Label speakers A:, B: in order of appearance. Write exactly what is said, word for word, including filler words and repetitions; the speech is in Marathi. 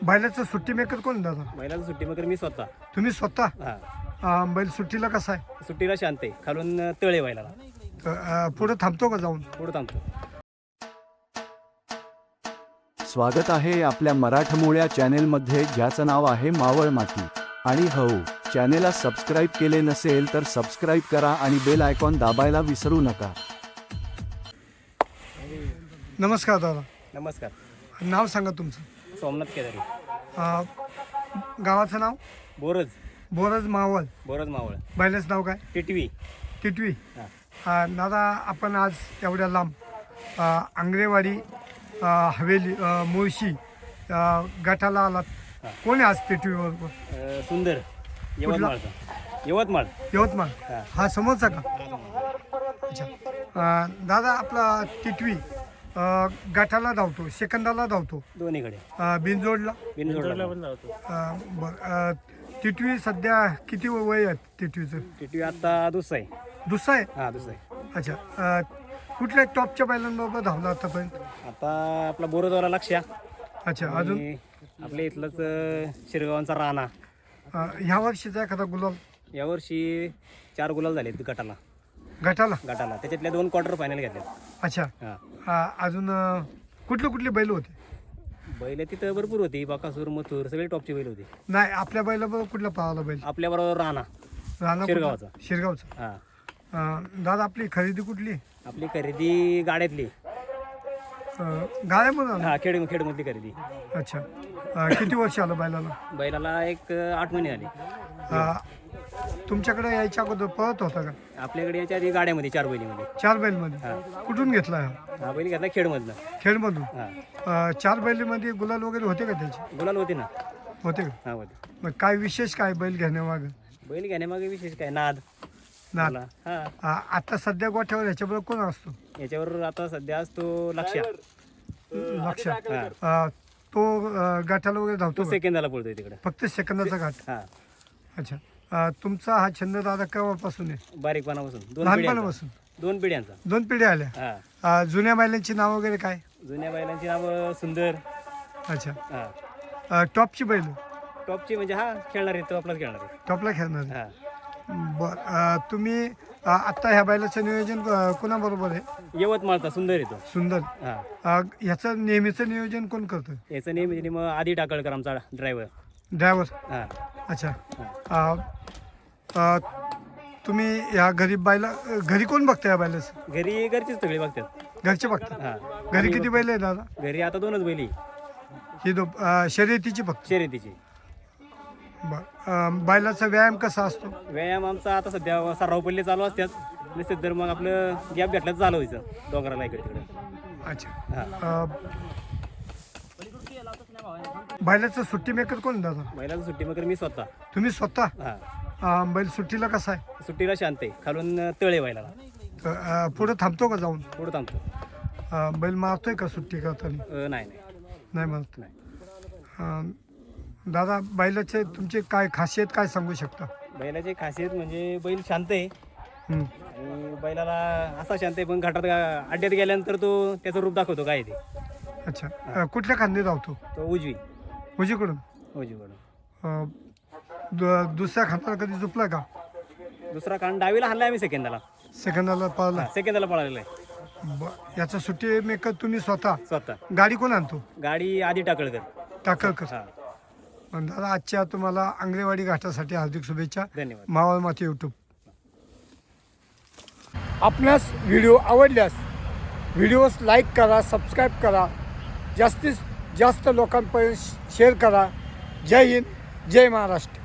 A: बैलाचं सुट्टी मेकर कोण दादा?
B: बैलाचा सुट्टी मेकर मी स्वतः.
A: तुम्ही स्वतः?
B: हा.
A: अं, बैल सुट्टीला कसा आहे?
B: सुट्टीला शांत आहे, खालून तळे बैलाला.
A: अं, पुढे थांबतो का जाऊन?
B: पुढे थांबतो.
C: स्वागत आहे आपल्या मराठमोळ्या चॅनेलमध्ये, ज्याचं नाव आहे मावळ माती. आणि हो, चॅनेलला सबस्क्राईब केले नसेल तर सबस्क्राईब करा आणि बेल आयकॉन दाबायला विसरू नका.
A: नमस्कार दादा.
B: नमस्कार.
A: नाव सांगा तुमचं.
B: सोमनाथ केदारी.
A: अं, गावाचं नाव?
B: बोरज.
A: बोरज मावळ.
B: बोरज मावळ.
A: बैलाचं नाव काय?
B: टिटवी.
A: टिटवी.
B: हा.
A: अं, दादा आपण आज एवढ्या लांब अं, आंग्रेवाडी अं, हवेली अं, मुळशी अं, गटाला आलात. कोण आहे आज टिटवीवर?
B: अ, सुंदर. यवतमाळचा. यवतमाळ.
A: यवतमाळ.
B: हा.
A: हा समोरचा का? अच्छा. अं, दादा आपला टिटवी अं, गटाला धावतो, सेकंदाला धावतो,
B: दोन्हीकडे.
A: अं, बिनजोडला.
B: बिनजोडला पण लावतो.
A: अं, बरं. अं, टिटवी सध्या किती वय आहे टिटवीचं?
B: टिटवी आता दुसरा आहे.
A: दुसरा आहे.
B: हा, दुसरा आहे.
A: अच्छा. अं, कुठल्या टॉपच्या बैलांबरोबर धावला आतापर्यंत?
B: आता आपला बोरजवाला लक्ष्या.
A: अच्छा. अजून
B: आणि आपल्या इथलंच अ, शिरगावांचा राणा.
A: अं, ह्या वर्षीचा एखादा गुलाल
B: यावर्षी चार गुलाल झाले गटाला.
A: गटाला?
B: गटाला त्याच्यातल्या दोन क्वार्टर फायनल घेतले.
A: अच्छा.
B: हा.
A: अं, अजून अं, कुठले कुठले बैल होते?
B: बैल तिथं भरपूर होती, बाकासूर, मथुर, सगळे टॉपची बैल होती.
A: नाही, आपल्या बैलाबरोबर कुठला पाहायला बैल?
B: आपल्या बरोबर राणा.
A: राणा
B: शिरगावचा.
A: कुठला? शिरगावचा.
B: हा.
A: अं, दादा आपली खरेदी कुठली?
B: आपली खरेदी गाड्यातली.
A: अं, गाड्यामधून?
B: हा, खेड खेडमधली खरेदी.
A: अच्छा. अं, किती वर्ष आलं बैलाला?
B: बैलाला एक अ, आठ महिने झाले.
A: अं, तुमच्याकडे यायच्या अगोदर पळत होता का?
B: आपल्याकडे याच्या आधी गाड्यामध्ये चार बैलीमध्ये.
A: चार बैलमध्ये?
B: हा.
A: कुठून घेतला हा?
B: हा बैल घेतला खेडमधनं.
A: खेडमधून?
B: हा.
A: अं, चार बैलीमध्ये गुलाल वगैरे होते का त्याचे?
B: गुलाल होती ना.
A: होते का?
B: हा, होती.
A: मग काय विशेष काय बैल घेण्यामागं?
B: बैल घेण्यामागे विशेष काय, नाद.
A: ना
B: मला. हा.
A: अं, आता सध्या गोठ्यावर ह्याच्याबरोबर कोण असतो?
B: याच्यावर आता सध्या असतो लक्ष्या.
A: लक्षात.
B: हा.
A: अं, तो अं, गाठाला वगैरे
B: तो
A: धावतो का?
B: सेकंदाला पळतोय तिकडे.
A: फक्त सेकंदाचा घाट?
B: हा.
A: अच्छा. अं, तुमचा हा छंद दादा केव्हापासून आहे?
B: बारीकपणापासून दोन
A: लहानपणापासून?
B: पिढ्यांचा. दोन पिढ्यांचा.
A: दोन पिढ्या आल्या.
B: हा.
A: अं, जुन्या बैलांची नाव वगैरे काय?
B: जुन्या बैलांची नावं सुंदर.
A: अच्छा.
B: हा.
A: अं, टॉपची बैल?
B: टॉपची म्हणजे हा खेळणार आहे, तो आपलाच खेळणार आहे.
A: टॉपला खेळणार?
B: हा.
A: बर. अं, तुम्ही अं, आत्ता ह्या बैलाचं नियोजन अं, कोणाबरोबर आहे?
B: यवतमाळचा सुंदर आहे तो.
A: सुंदर.
B: हा.
A: अं, ह्याचं नेहमीचं नियोजन कोण करतं?
B: याचं नेहमी मग आधी टाकळकर आमचा ड्रायव्हर.
A: ड्रायव्हर?
B: हा.
A: अच्छा.
B: हा.
A: अं, अं, तुम्ही या गरीब बैला घरी कोण बघतं या बैलाचं?
B: घरी घरचीच सगळी बघतात.
A: घरचे बघतात?
B: हा.
A: घरी किती बैल आहे दादा?
B: घरी आता दोनच बैली
A: ही दो अं, शर्यतीची बघतो?
B: शर्यतीची.
A: बर. बैलाचा व्यायाम कसा असतो?
B: व्यायाम आमचा आता सध्या सराव पल्ले चालू असतात. नसेल तर मग आपलं गॅप भेटलं तर चालू व्हायचं डोंगराला इकडे तिकडे.
A: अच्छा.
B: हा.
A: अं, बैलाचं सुट्टी मेकर कोण दादा?
B: बैलाचा सुट्टी मेकर मी स्वतः.
A: तुम्ही स्वतः?
B: हा.
A: अं, बैल सुट्टीला कसा आहे?
B: सुट्टीला शांत आहे, खालून तळे बैलाला.
A: अं, पुढे थांबतो का जाऊन?
B: पुढे थांबतो.
A: अं, बैल मारतोय का सुट्टी करताना?
B: अ, नाही नाही
A: नाही मारत.
B: नाही.
A: अं, दादा बैलाचे तुमचे काय खासियत काय सांगू शकता?
B: बैलाची खासियत म्हणजे बैल शांत आहे.
A: हं.
B: आणि बैलाला असा शांत आहे, पण घाटात गा- अड्ड्यात गेल्यानंतर तो त्याचं रूप दाखवतो काय ते.
A: अच्छा. अं, कुठल्या खांदी धावतो?
B: तो उजवी.
A: उजवीकडून?
B: उजवीकडून.
A: अं, दु- दुसऱ्या खांदाला कधी झोपला का?
B: दुसरा कान डावीला हल्ला आम्ही सेकंदाला.
A: सेकंदाला पळाला?
B: सेकंदाला पळालेला आहे
A: ब- याचा सुट्टी मेकर तुम्ही स्वतः?
B: स्वतः.
A: गाडी कोण आणतो?
B: गाडी आधी टाकळकर.
A: टाकळकर.
B: हा.
A: पण दादा आजच्या तुम्हाला आंग्रेवाडी घाटासाठी हार्दिक शुभेच्छा.
B: धन्यवाद.
A: मावळ माती यूट्यूब. आपणास व्हिडिओ आवडल्यास व्हिडिओस लाईक करा, सबस्क्राईब करा, जास्तीत जास्त लोकांपर्यंत शेअर करा. जय हिंद, जय महाराष्ट्र.